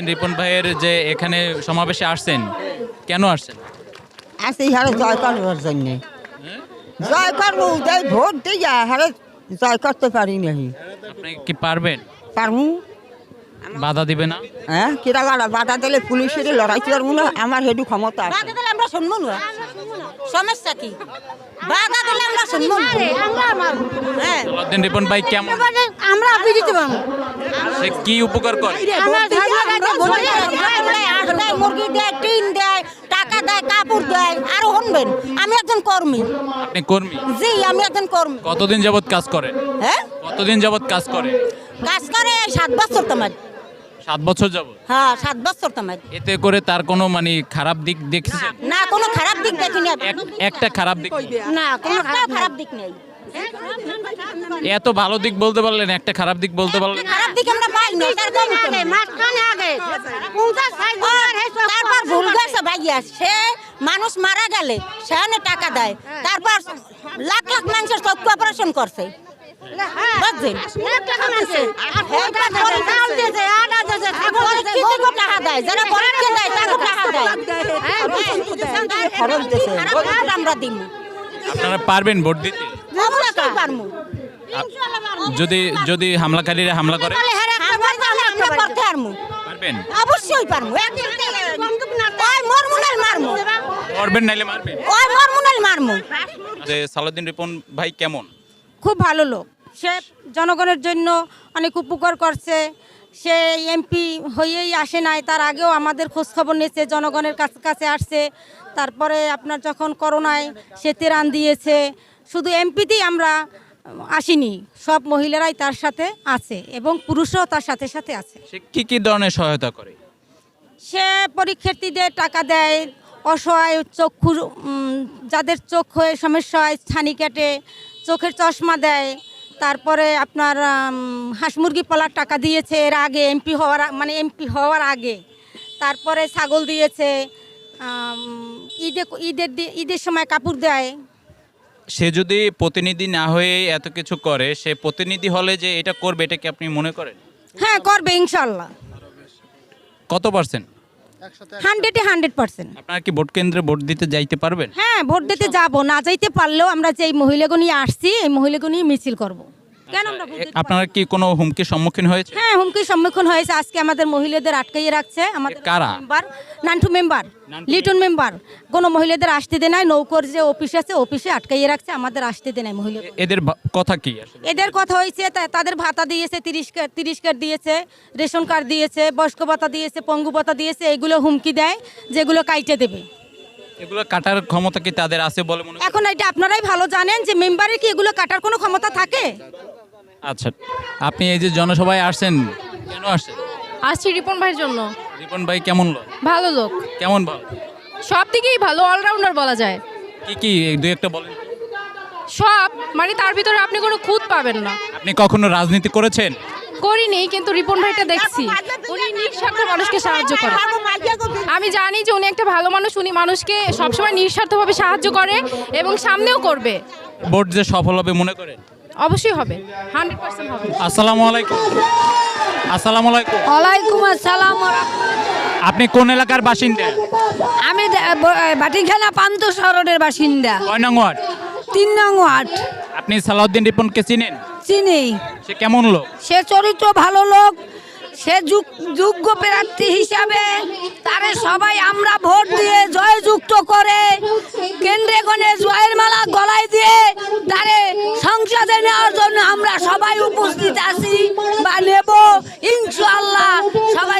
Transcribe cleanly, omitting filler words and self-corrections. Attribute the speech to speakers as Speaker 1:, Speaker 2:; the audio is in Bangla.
Speaker 1: রিপন ভাইয়ের যে এখানে সমাবেশে আসছেন, কেন আসছেন?
Speaker 2: আসি হারে জয় করবার জন্যে জয় করবো যাই ভোট দিয়ে হারে জয় করতে পারি নাহি।
Speaker 1: আপনি কি পারবেন?
Speaker 2: পারবো।
Speaker 1: বাধা দিবে না?
Speaker 2: হ্যাঁ কিরা বাধা দিলে পুলিশের লড়াইতে পারবো না, আমার হেডু ক্ষমতা আছে।
Speaker 3: বাধা দিলে আমরা শুনবো না, সমস্যা কি? বাধা দিলে আমরা শুনবো না। হ্যাঁ,
Speaker 1: সালাউদ্দিন রিপন ভাই কেমন?
Speaker 3: আমরা আপনি দিতে পারবো।
Speaker 1: সে কি উপকার করে?
Speaker 3: মুরগি দেয়, টিন দেয়, টাকা দেয়, কাপড় দেয়। আরো শুনবেন, আমি একজন কর্মী।
Speaker 1: আপনি কর্মী?
Speaker 3: জি, আমি একজন কর্মী।
Speaker 1: কতদিন যাবত কাজ করেন?
Speaker 3: হ্যাঁ,
Speaker 1: কতদিন যাবত কাজ করেন?
Speaker 3: কাজ করে 7 বছর তোমার।
Speaker 1: 7 বছর যাবত।
Speaker 3: হ্যাঁ, 7 বছর তোমার।
Speaker 1: এতে করে তার কোনো মানে খারাপ দিক দেখছেন?
Speaker 3: না, কোনো খারাপ দিক দেখিনি।
Speaker 1: একটা খারাপ দিক নেই।
Speaker 3: না, কোনো খারাপ দিক নেই।
Speaker 1: এত ভালো দিক বলতে পারলেন, একটা খারাপ দিক বলতে পারলেন?
Speaker 3: খারাপ দিক আমরা পাই না। তারপর ভুল গেছে ভাইয়া, সে মানুষ মারা গেলে সেখানে টাকা দেয়, তারপর লাখ লাখ মানুষের চক্ষু অপারেশন করছে। বুঝছেন? টাকা দেয়, যারা গরিবকে দেয় তাকে টাকা দেয়।
Speaker 2: খরচ দিছে।
Speaker 3: আমরা দিব,
Speaker 1: আপনারা পারবেন ভোট দিতে?
Speaker 3: অবশ্যই পারবো।
Speaker 1: যদি যদি হামলাকারীরা হামলা করে
Speaker 3: আমরা করতে পারবো,
Speaker 1: পারবেন?
Speaker 3: অবশ্যই পারবো। ওই মরমুনাল মারমু,
Speaker 1: করবেন নাইলে মারবেন?
Speaker 3: ওই মরমুনাল মারমু।
Speaker 1: যে সালাউদ্দিন রিপন ভাই কেমন?
Speaker 4: খুব ভালো লোক, সে জনগণের জন্য অনেক উপকার করছে। সে এমপি হয়েই আসে নাই, তার আগেও আমাদের খোঁজখবর নিয়েছে, জনগণের কাছে আসছে। তারপরে আপনার যখন করোনায় সে ত্রাণ দিয়েছে। শুধু এমপিতেই আমরা আসিনি, সব মহিলারাই তার সাথে আছে এবং পুরুষরাও তার সাথে সাথে আছে।
Speaker 1: সে কি কি ধরনের সহায়তা করে?
Speaker 4: সে পরীক্ষার্থীদের টাকা দেয়, অসহায় চক্ষু যাদের চোখ হয়ে সমস্যা হয় ছানি কাটে, চোখের চশমা দেয়। তারপরে আপনার হাঁস মুরগি পালার টাকা দিয়েছে এর আগে, এমপি হওয়ার আগে। তারপরে ছাগল দিয়েছে, ঈদের সময় কাপড় দেয়।
Speaker 1: সে যদি প্রতিনিধি না হয়ে এত কিছু করে, সে প্রতিনিধি হলে যে এটা করবে, এটা কি আপনি মনে করেন?
Speaker 4: হ্যাঁ, করবে ইনশাল্লাহ।
Speaker 1: কত পার্সেন্ট?
Speaker 4: 100%
Speaker 1: আপনারা কি ভোট কেন্দ্রে ভোট দিতে যাইতে পারবেন?
Speaker 4: হ্যাঁ, ভোট দিতে যাব, না যাইতে পারলেও আমরা যে এই মহিলাগুলো নিয়ে আসছি, এই মহিলাগুলো নিয়ে মিছিল করব। কেন আমরা ভোট দিতে
Speaker 1: আপনারা কি কোনো হুমকির সম্মুখীন হয়েছে?
Speaker 4: হ্যাঁ, হুমকির সম্মুখীন হয়েছে। আজকে আমাদের মহিলাদের আটকাইয়ে রাখছে আমাদের
Speaker 1: কারা?
Speaker 4: Member, Nantu member, Liton member. কোনো মহিলাদের আসতে দেয় নাই, নৌকর যে অফিস আছে অফিসে আটকাইয়ে রাখছে, আমাদের আসতে দেয় নাই মহিলা।
Speaker 1: এদের কথা কি আসলে?
Speaker 4: এদের কথা হয়েছে তাদের ভাতা দিয়েছে, 30 কার্ড দিয়েছে, রেশন কার্ড দিয়েছে, বয়স্ক ভাতা দিয়েছে, পঙ্গু ভাতা দিয়েছে। এগুলো হুমকি দেয় যেগুলো কাইটে দেবে।
Speaker 1: এগুলো কাটার ক্ষমতা কি তাদের আছে বলে মনে করেন?
Speaker 4: এখন এটা আপনারাই ভালো জানেন যে মেম্বারের কি এগুলো কাটার কোনো ক্ষমতা থাকে?
Speaker 1: আচ্ছা, আপনি এই যে জনসভায় আসছেন, কেন আসছেন?
Speaker 5: আসছি রিপন ভাইয়ের জন্য।
Speaker 1: রিপন ভাই কেমন লোক?
Speaker 5: ভালো লোক,
Speaker 1: কেমন ভালো?
Speaker 5: সব দিকেই ভালো, অলরাউন্ডার বলা যায়।
Speaker 1: কি কি দুই একটা বলেন।
Speaker 5: সব মানে তার ভিতরে আপনি কোনো খুঁত পাবেন না।
Speaker 1: আপনি কখনো রাজনীতি করেছেন?
Speaker 5: করিনি, কিন্তু রিপন ভাইটা দেখছি উনি নিঃস্বার্থ মানুষকে সাহায্য করে। আমি জানি যে উনি একটা ভালো মানুষ, উনি মানুষকে সবসময় নিঃস্বার্থভাবে সাহায্য করে এবং সামনেও করবে।
Speaker 1: ভোট যে সফল হবে মনে করেন?
Speaker 5: অবশ্যই হবে, 100% হবে।
Speaker 1: আসসালামু আলাইকুম। আসসালামু আলাইকুম।
Speaker 4: ওয়ালাইকুম আসসালাম।
Speaker 1: আপনি কোন এলাকার বাসিন্দা?
Speaker 4: আমি বাটিখানা পান্ত শহরের বাসিন্দা,
Speaker 1: কয় নং ওয়ার্ড?
Speaker 4: 3 নং ওয়ার্ড।
Speaker 1: আপনি সালাউদ্দিন রিপনকে চিনেন?
Speaker 4: চিনি।
Speaker 1: সে কেমন লোক?
Speaker 4: সে চরিত্র ভালো লোক, সে যোগ্য প্রার্থী হিসাবে তারে সবাই আমরা ভোট দিয়ে জয়যুক্ত করে কেন্দ্রে গণে জয়ের মালা গলায় দিয়ে তারে সংসদে নেওয়ার জন্য আমরা সবাই উপস্থিত আছি বা নেব ইনশাআল্লাহ। সবাই